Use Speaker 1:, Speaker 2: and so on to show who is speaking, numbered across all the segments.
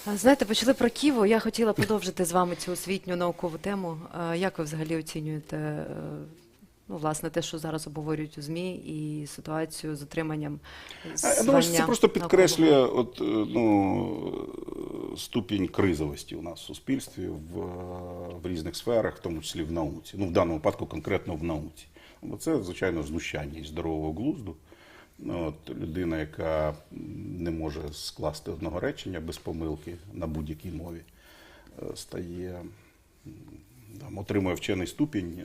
Speaker 1: Знаєте, почали про Києво. Я хотіла продовжити з вами цю освітню наукову тему. Як ви взагалі оцінюєте, ну, власне, те, що зараз обговорюють у ЗМІ, і ситуацію з отриманням
Speaker 2: Я думаю, що це
Speaker 1: звання
Speaker 2: просто підкреслює
Speaker 1: наукового?
Speaker 2: ступінь кризовості у нас в суспільстві в різних сферах, в тому числі в науці. Ну, в даному випадку конкретно в науці. Бо це, звичайно, знущання із здорового глузду. Людина, яка не може скласти одного речення без помилки на будь-якій мові, отримує вчений ступінь,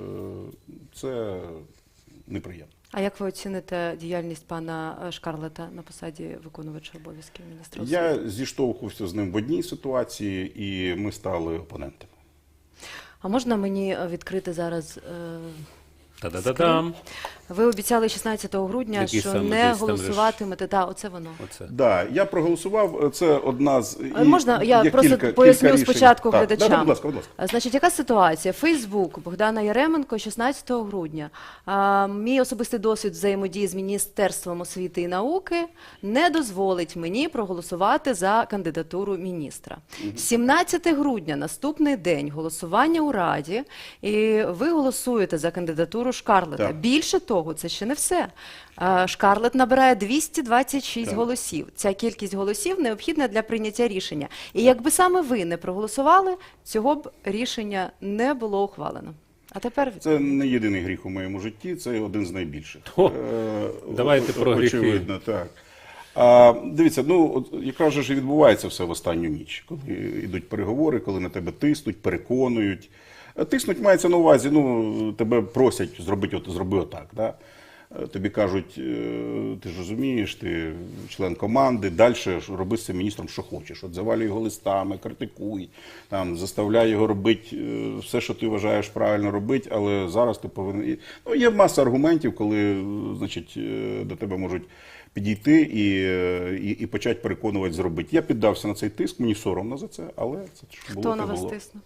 Speaker 2: це неприємно.
Speaker 1: А як ви оціните діяльність пана Шкарлета на посаді виконувача обов'язків міністра освіти?
Speaker 2: Я зіштовхувався з ним в одній ситуації, і ми стали опонентами.
Speaker 1: А можна мені відкрити зараз
Speaker 3: Та-да-да-дам.
Speaker 1: Ви обіцяли 16 грудня,
Speaker 3: Який
Speaker 1: що
Speaker 3: саме
Speaker 1: не
Speaker 3: десь там
Speaker 1: голосуватимете. Так, оце воно.
Speaker 3: Оце.
Speaker 2: Да, я проголосував. Це одна з
Speaker 1: Можна я
Speaker 2: є
Speaker 1: просто
Speaker 2: кілька
Speaker 1: поясню
Speaker 2: рішень.
Speaker 1: спочатку
Speaker 2: Так,
Speaker 1: глядачам?
Speaker 2: да, будь ласка, будь ласка.
Speaker 1: Значить, яка ситуація? Фейсбук Богдана Яременко 16 грудня. Мій особистий досвід взаємодії з Міністерством освіти і науки не дозволить мені проголосувати за кандидатуру міністра. 17 грудня, наступний день, голосування у Раді, і ви голосуєте за кандидатуру Шкарлета.
Speaker 2: Так.
Speaker 1: Більше того, це ще не все. Шкарлет набирає 226
Speaker 2: Так.
Speaker 1: голосів. Ця кількість голосів необхідна для прийняття рішення. І якби саме ви не проголосували, цього б рішення не було ухвалено. А тепер
Speaker 2: Це не єдиний гріх у моєму житті, це один з найбільших.
Speaker 3: О, давайте про гріхи.
Speaker 2: Очевидно, так. Дивіться, якраз же ж відбувається все в останню ніч, коли йдуть переговори, коли на тебе тиснуть, переконують. Тиснуть мається на увазі, тебе просять зроби отак. Да? Тобі кажуть, ти ж розумієш, ти член команди, далі роби з цим міністром, що хочеш. Завалюй його листами, критикуй, заставляй його робити все, що ти вважаєш правильно робити, але зараз ти повинен... Є маса аргументів, коли, значить, до тебе можуть підійти і почати переконувати зробити. Я піддався на цей тиск, мені соромно за це, але це ж було.
Speaker 1: хто на вас тиснув?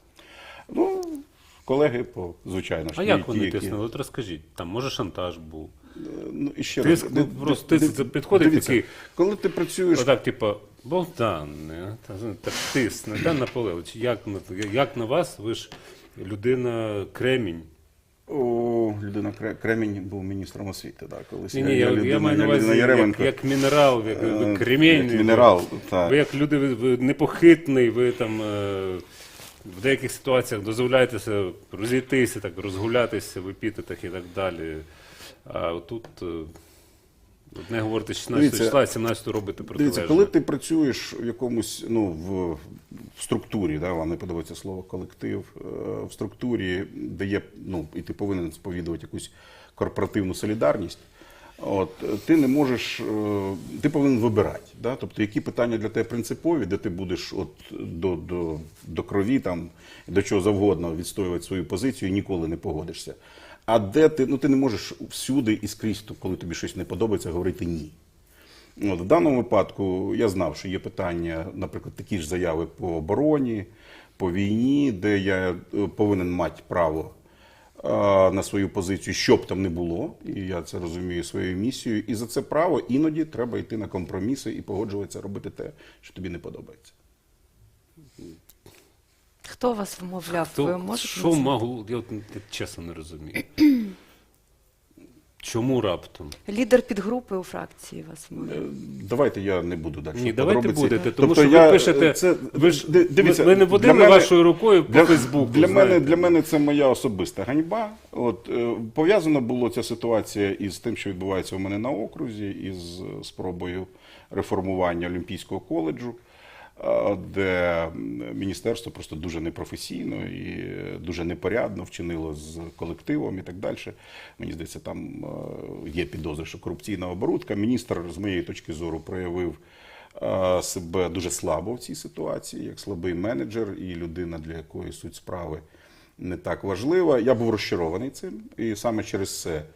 Speaker 2: Колеги, звичайно.
Speaker 3: А як вони тиснули? От розкажіть, там може шантаж був?
Speaker 2: І ще
Speaker 3: Тиск,
Speaker 2: раз,
Speaker 3: просто тиск підходить
Speaker 2: дивіться,
Speaker 3: такий,
Speaker 2: коли ти працюєш...
Speaker 3: отак, типу, Богдан, так тисне, Богдан Наполеович, як на вас, ви ж людина Кремінь.
Speaker 2: Людина Кремінь був міністром освіти, так, колись.
Speaker 3: Ні, я маю на увазі, як мінерал, як кремінь.
Speaker 2: Як мінерал, так.
Speaker 3: Ви як люди, ви непохитний, ви там в деяких ситуаціях дозволяєтеся розійтися, так, розгулятися в епітетах і так далі. А тут одне говорите 16 числа, а 17 робите протилежне.
Speaker 2: Дивіться, коли ти працюєш в якомусь, в структурі, вам не подобається слово колектив, в структурі, де є, і ти повинен сповідувати якусь корпоративну солідарність, ти не можеш, ти повинен вибирати. Да? Тобто, які питання для тебе принципові, де ти будеш до крові, до чого завгодно відстоювати свою позицію і ніколи не погодишся. А де ти не можеш всюди і скрізь, коли тобі щось не подобається, говорити ні. В даному випадку я знав, що є питання, наприклад, такі ж заяви по обороні, по війні, де я повинен мати право на свою позицію, що б там не було, і я це розумію своєю місією, і за це право іноді треба йти на компроміси і погоджуватися робити те, що тобі не подобається.
Speaker 1: Хто вас вмовляв? Ви можете
Speaker 3: Що могло? Я чесно не розумію. Чому раптом?
Speaker 1: Лідер підгрупи у фракції вас вмовляв.
Speaker 2: Давайте я не буду далі.
Speaker 3: Ні, давайте будете, тому
Speaker 2: Тобто
Speaker 3: що ви пишете, ви не водили вашою рукою по Фейсбуку.
Speaker 2: Для мене це моя особиста ганьба. Пов'язана була ця ситуація із тим, що відбувається у мене на окрузі, із спробою реформування Олімпійського коледжу, де міністерство просто дуже непрофесійно і дуже непорядно вчинило з колективом і так далі. Мені здається, там є підозри, що корупційна оборудка. Міністр, з моєї точки зору, проявив себе дуже слабо в цій ситуації, як слабий менеджер і людина, для якої суть справи не так важлива. Я був розчарований цим, і саме через це